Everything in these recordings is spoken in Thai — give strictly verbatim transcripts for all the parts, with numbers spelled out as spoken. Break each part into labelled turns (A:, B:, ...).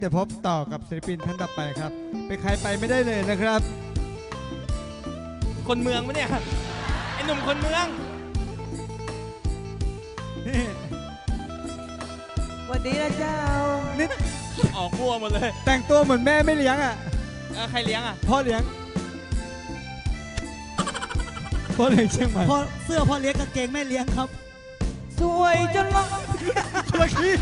A: เดี๋ยวพบต่อกับศิลปินท่านต่อไปครับเป็นใครไปไม่ได้เลยนะครับ
B: คนเมืองปะเนี่ยไอ้หนุ่มคนเมือง
C: สวัสดีนะเจ้า
A: นี่
B: ออกบัวหมดเลย
A: แต่งตัวเหมือนแม่ไม่เลี้ยงอ่ะ
B: ใครเลี้ยงอ่ะ
A: พ่อเลี้ยงพ่อเลี้ยงเชียงใหม่
C: พ่อเสื้อพ่อเลี้ยงกางเกงแม่เลี้ยงครับสวยจนละ
A: คนละคี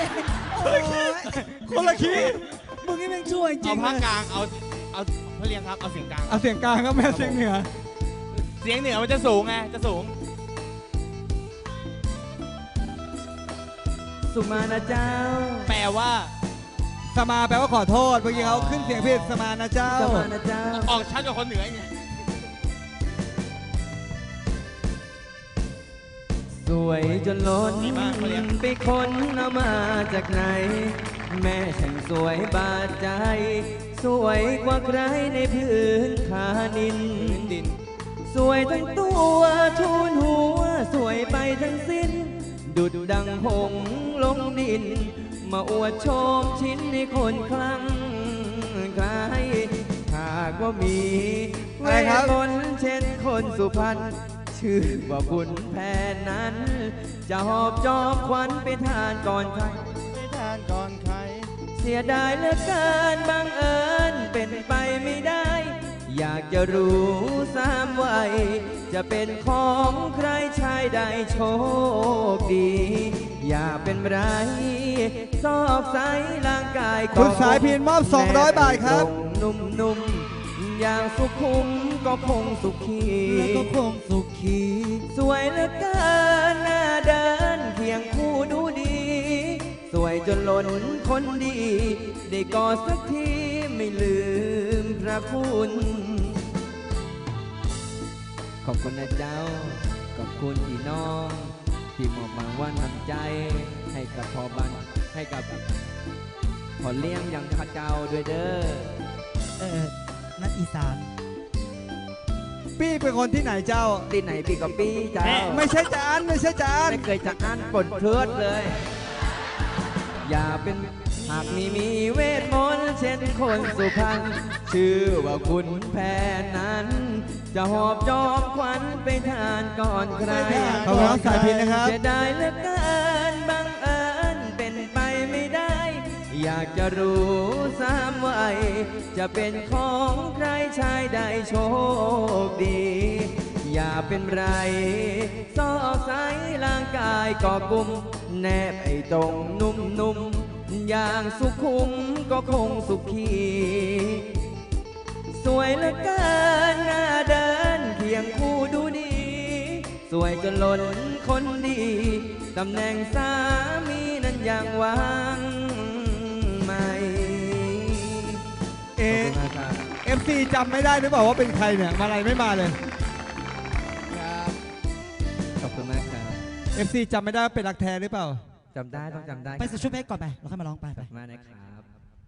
A: คนละคี
C: มึงนี่แม่งช่วยจริง
B: เอาภาคกลางเอาเอาพ่อเลี้ยงครับเอาเสียงกลาง
A: เอาเสียงกลางครับแม่เสียงเหนือ
B: เสียงเหนือมันจะสูงไงจะสูง
C: สุมานะเจ้า
B: แปลว่า
A: สมาแปลว่าขอโทษเมื่อกี้เขาขึ้นเสียงผิดสมานะเจ้า
C: สมานะเจ้า
B: ออกชัดกว่าคนเหนือไง
C: สวยจนล้นไปคนเอามาจากไหนแม่ฉันสวยบาดใจสวยกว่าใครในพื้นคานินดินสวยทั้งตัวทูลหัวสวยไปทั้งสิ้นดุดดังหงลงดินมาอวดโชมชิ้นให้คนคลั่งใครหากว่ามีเวทมนต์เช่นคนสุพรรณชื่อว่าบุญแผ่นนั้นจะหอบจอบควันไปทานก่อนใคร
B: ไปทานก่อนใคร
C: เสียดายเหลือเกินบังเอิญเป็นไปไม่ได้อยากจะรู้สามวัยจะเป็นของใครชายใดโชคดีอย่าเป็นไรซอกไซร่างกาย
A: คุณสายพินมอบสองร้อยบาทครับ
C: นุ่มๆอย่างสุขุมก็คงสุขีก็คงสุขีสวยเหลือเกินหน้าเดินเคียงคู่ดูดีสวยจนล้นคนดีได้กอดสักทีไม่ลืมพระคุณขอบคุณนะเจ้าขอบคุณพี่น้องที่มอบรางวัลน้ำใจให้กับพ่อบ้านให้กับขอเลี้ยงอย่างข้าเจ้าด้วยเด้อเออนักอีสาน
A: ปี้เป็นคนที่ไหนเจ้า
C: ที่ไหนปี้กับปี้เจ้า
A: ไม่ใช่จานไม่ใช่จาน
C: ไม่เคยจะอ่านปนเทือดเลยอย่าเป็นหากมีมีเวทมนต์เช่นคนสุพรรณชื่อว่าคุณแพนนั้นจะหอบจอบควันไปทานก่อนใคร
A: ขอบคุณสายพินนะครับ
C: จะได้เหลือเกินบังเอิญเป็นไปไม่ได้อยากจะรู้สามวัยจะเป็นของใครชายใดโชคดีอย่าเป็นไรซอกไซร่างกายก็กุมแนบไอ้ตรงนุ่มๆอย่างสุขุมก็คงสุขีสวยเหลือเกินหน้าเดินเคียงคู่ดูดีสวยจนล้นคนดีตำแหน่งสามีนั้นยังวางไม่
A: เอเอฟซีจำไม่ได้หรือเปล่าว่าเป็นใครเนี่ยมาอะไรไม่มาเลย
C: ครับขอบคุณมากครับ
A: เอฟซีจำไม่ได้เป็นรักแท้หรือเปล่า
C: จำได้ต้องจำได้
D: ไปใส่ชุดเพชรก่อนไปเราค่อยมาร้องไปไป
C: มานะครับ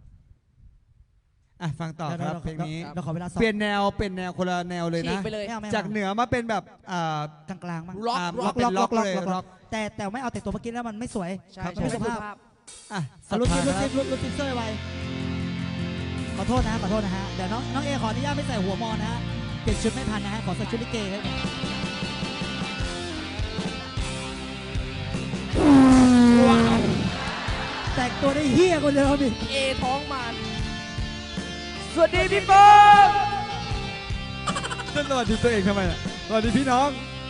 A: อ่ะฟังต่อครับเพลงนี้
D: เราขอเวลา
A: เปลี่ยนแนวเป็นแนวคนละแนวเลยนะจากเหนือมาเป็นแบบ
D: กลางๆมั้ง
A: ล็อกล็อกล็อกเลยล็อก
D: แต่แต่ไม่เอาแต่ตัวเมื่อกี้แล้วมันไม่สวย
C: ไม่
D: สุภาพ
A: อ่ะ
D: รุดทิปรุดทิปรุดทิปเซอร์ไว้ขอโทษนะขอโทษนะฮะเดี๋ยวน้องน้องเอขออนุญาตไม่ใส่หัวมอนะฮะเปลี่ยนชุดไม่ทันนะฮะขอใส่ชุดลิเกครับแต่งตัวได้เฮี้ยคนเดียวพี่
B: เอท้องมัน
C: สวัสดีพี่ป้อง
A: สวัสดีตัวเองทำไมล่ะสวัสดีพี่น้อง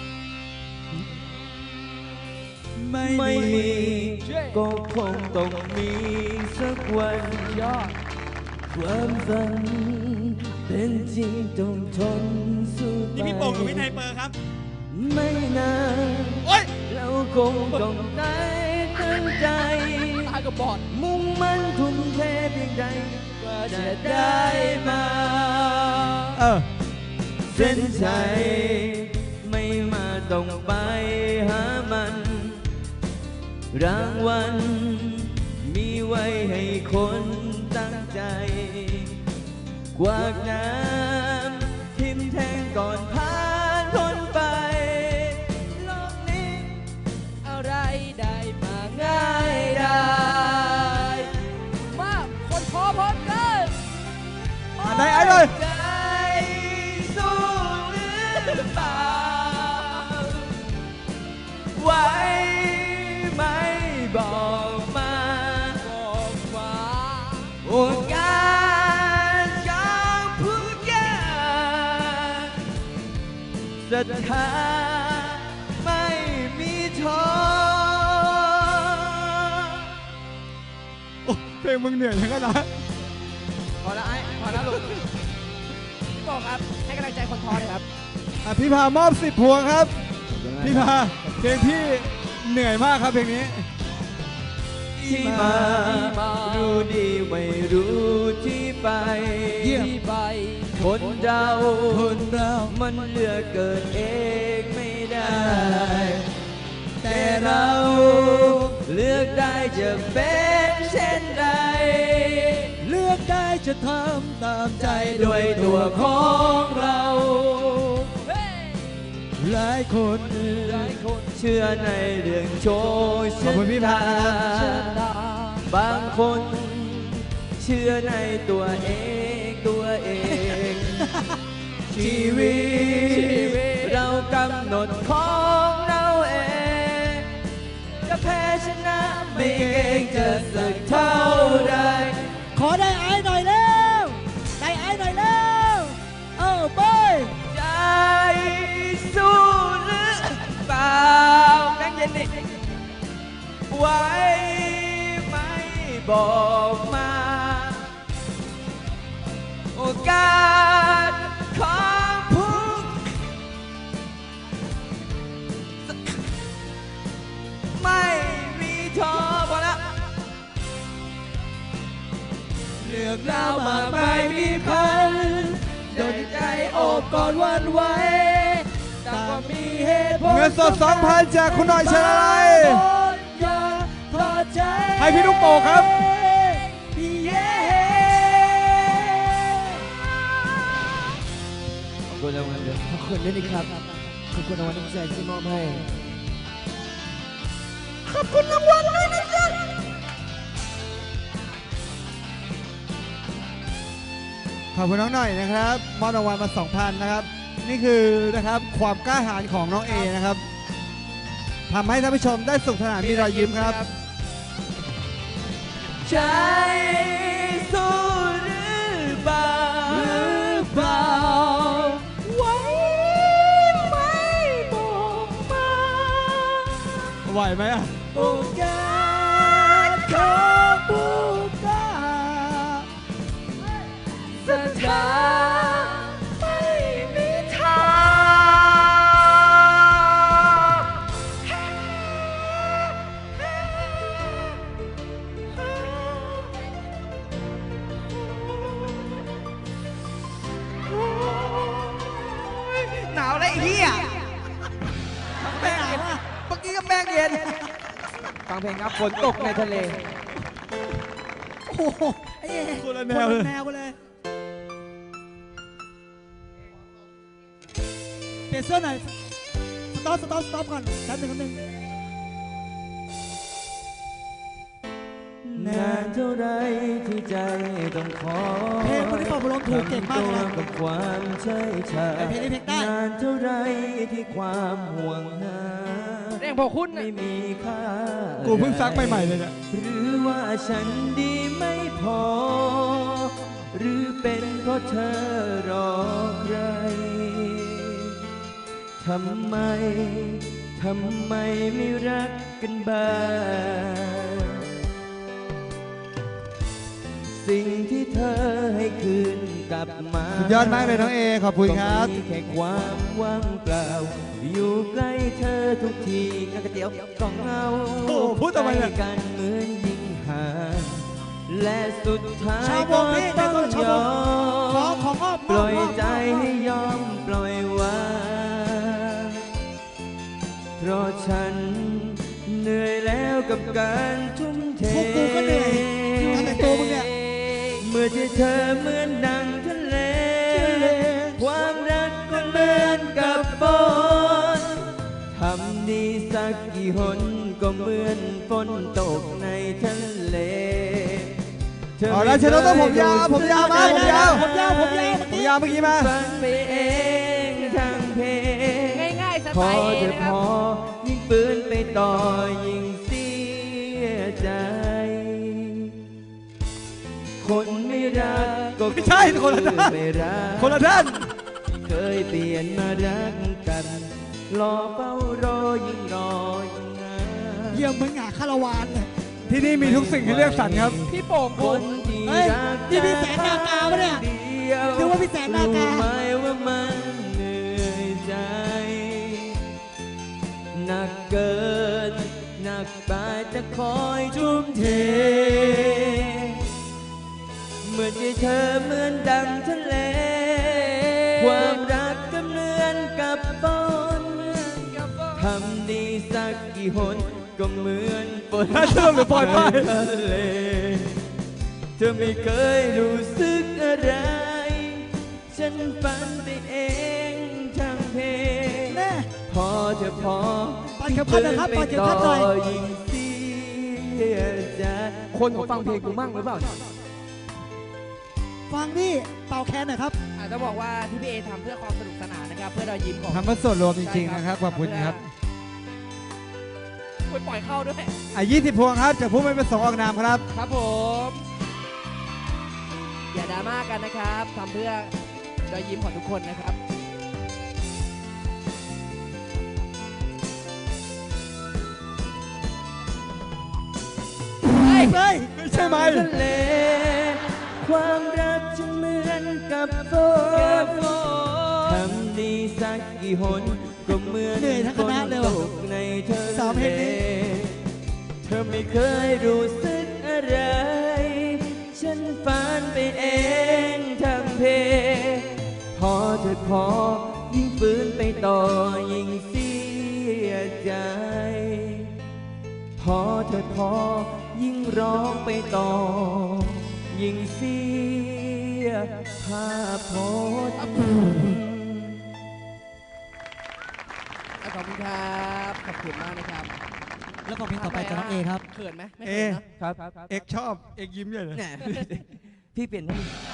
C: ไม่มีก็คงต้องมีสักวันยอดความฝันเป็นจริงต้องทนสู้ไป
B: นี่พี่โป่งกับพี่ไทยเปอร์ครับ
C: ไม่นานเราคงต้องได้ตั้งใจ
B: ตายกับบอด
C: มุ่งมั่นทุ่มเทเพียงใดกว่าจะได้มา
A: เออ
C: เส้นชัยไม่มาต้องไปหามันรางวัลมีไว้ให้คนตั้งใจกวากน้ำทิมแทงก่อนผ่านพ้นไปโลกนี้อะไรได้มาง่ายได้
B: มากคน
C: โอกาสของผู้ยากศรัทธาไม่มีท้อ
A: โอ้เพลงมึงเหนื่อยยังไงนะ
B: พอแล้วไอ้พอแล้วลูกพี่บอกครับให้กำลังใจคนท้อเลยครับ
A: อ่ะพี่พามอบสิบพวงครับ พี่พาเพลงพี่เหนื่อยมากครับเพลงนี้
C: ที่มารู้ดีไม่รู้ที่ไป
B: เยี่ยมไป
C: คนเรา
B: คนเรา
C: มันเลือกเกิดเองไม่ได้
B: แต่เรา
C: เลือกได้จะเป็นเช่นไร
B: เลือกได้จะทำตามใจ
C: ด้วยตัวของเรา
B: หลายคน
C: หลายคนเชื่อในเรื่องโชค
A: ขอบคุณพี่พานะครับ
C: บางคนเชื่อในตัวเองตัวเอง ชีวิตเรากำหนดของเราเองจะแพ้ชนะไม่เก่งจะสักเท่าใด
D: ขอได้ไอ้หน่อยเร็วได้ไอ้หน่อยเร็วเออไป
C: ใจสู้หรือเปล่าแบงค์เย็นดิไว้ไม่บอกมา โอกาสของผู้ไม่มีท้อพอละ
B: เลือกเรามากมายมีพันโดนใจโอบกอดหวันไหวแต่ก็มีเหตุผล
A: เงินสด สองพัน จากคุณหน่อยเชลอะไร
B: อย่าทอดใจ
A: ให้พี่ลูกโป่งครับ
B: พี่เย่
C: ขอบคุณรางวัลด้วย
B: ขอบคุณด้วยนะครับขอบคุณรางวัลน้ำใจที่มอบให้
A: ขอบคุณรางวัลด้วยนะจ๊ะขอบคุณน้องหน่อยนะครับมอบรางวัลมา สองพัน นะครับ นี่คือนะครับความกล้าหาญของน้องเอนะครับทำให้ท่านผู้ชมได้สุขสนานมีรอยยิ้มครับ
C: ใจสู้หรือเปล่า
B: หรือเปล่า
C: ไว้ไม่บอกมา
A: ไหวไหมอ่ะ
B: โอกาสของผู้กล้าศรัทธาไม่มีทางหนาวเลยไอ้เหี้ย
D: ไม่หนาวอ่ะ
B: เมื่อกี้ก็แป้งเย็น
C: ฟังเพลงครับฝนตกในทะเล
D: โอ้โหไอ้เอ๋
A: คนละ
D: ค
A: แนวเลย
D: นละแนวกันเลยเปลี่ยนเสื้อหน่อยสต็อปสต็อปสต็อปก่อนแป๊บหนึ่งแป๊บหนึ่ง
C: นานเท่าไรที่ใจต้องขอ
D: เพลงคนที่เป่าบอลลูนถูกเก่งมากเลยนะ
C: ทำตัวกับความเฉยชา
D: ไอ้เพลงนี้เพลงได้
C: นานเท่าไรที่ความห่วงหา
B: เรื่องพอคุณน่ะ
C: ไม่มีค่า
A: กูเพิ่งซักใหม่ๆเลยเนี่ย
C: หรือว่าฉันดีไม่พอ หรือเป็นเพราะเธอรอใคร ทำไม ทำไมไม่รักกันบ้าง สิ่งที่เธอให้คืนกลับมา
A: สุดยอดมากเลยน้องเอขอบคุณครับ
C: ก็มีแค่ความว่างเปล่า อยู่ใกล้เธอทุกทีงานก๋วยเตี๋ยวก็เหงา
A: โอ้พูดทำไมเนี่ย
C: ใกล้กันเหมือนยิ่งห่างและสุดท้าย
D: ชาวว
C: ก็
D: งนี้
C: ต้อง
D: เป็นคนชาวย
C: อ
D: วงขอ
C: ม
D: ขอมอบ
C: ปล่อย
D: มบมบ
C: ใจให้ยอมปล่อยวางเพราะฉันเหนื่อยแล้วกับการทุ่มเท
D: พวกกูก็เหนื่อยทำแต่ตัวมึงเนี่ย
C: เมื่อที่เธอเหมือนดังทะเล ความรักก็เหมือนกับฝนทำดีสักกี่หนก็เหมือนฝนตกในทะเลธ
A: เอาละเชนโนต้องผมยาวผมยาวมาผมยาว
D: ผมยาวผมยาว
A: ผมยาวเมื่อกี้มา
C: ฟังไปเองทั้งเพลง
B: ง่ายๆส
C: พ
B: ไต
C: อ
B: ล์เอ
C: จะ
B: นะค
C: พ
B: รับ
C: อยิ่งปืนไปต่อยิ่งเสียใจ คคนไม่รักก็
A: ไม่ใช่คนละด้าน
C: ไม่รัก
A: คนละด้าน
C: เคยเปลี่ยนมารักกันรอเฝ้ารอยิ่งรอยิ่งนาน
D: เยี่ยมมึงอ่ะคาราวานเลย
A: ที่นี่มีทุกสิ่งที่เรียกสรรครับ
B: พี่โป่ง
C: ค
B: คุ
C: น
B: ณ
C: ที่
D: เฮ้ย
C: รัก
D: นี่พี่แสนนากาปะเนี่ย
C: ดีว
D: นึกว่าพี่แสนนากา
C: รู้ไหมว่ามันเหนื่อยใจหนักเกินหนักไปจะคอยทุ่มเทเหมือนที่เธอเหมือนดังทะเล ความรักก็เหมือนกับฝนทำดีสักกี่หนก็เหมือนฝน
A: เชื่อมหรือปล่อยไป
C: ทะเลเธอไม่เคยรู้สึกอะไร ฉันฝันไปเองทั้งเพลง
D: แน่
C: พอเธอพอ
D: ปัดเข็มขัดนะครับปัดเข็มขัดหน่อย
C: ยิ่งเสียใจ
B: คนเขาฟังเพลงกูมั่งหรือเปล่า
D: ฟังนี่เป่าแคนหน่อยครับ
B: อาจจะบอกว่าที่พี่เอทำเพื่อความสนุกสนานนะครับ เพื่อรอยยิ้มของ
A: ทำเพื่อส่วนรวมจริงๆนะครับขอบคุณครับ
B: ไปปล่อยเข้าด้วย
A: อ่ะยี่สิบพวงครับจากผู้ไม่ประสงค์ออกนามครับ
B: ครับผม อย่าดราม่ากันนะครับทำเพื่อรอยยิ้มของทุกคนนะครับ
D: เฮ้ย
A: ไม่ใช่ไหม
C: ทะเลความรักฉันเหมือนกับฝนทำดีสักกี่หนก็เหมือน
D: เหนื่อยทั้งคณะเลย
C: ฝ
D: ว่ะ
C: นตกในเธอ
D: สามเพลงนี้
C: เธอไม่เคยรู้สึกอะไร ฉันฝันไปเองทั้งเพพอเธอพอยิ่งฝืนไปต่อยิ่งเสียใจ พอเธอพอยิ่งร้องไปต่อ ยิ่งเสียภาพพจน์
B: ขอบคุณครับ ขอบคุณมากนะครับ
D: แล้วก็เพลงต่อไปจากน้องเอครับ
B: เขินไหมไม่
A: เอ
B: เขินนะครับ
C: ครับ
A: เอกชอบเอกยิ้มใหญ่เลย
C: แหมพี่เปลี่ยนให้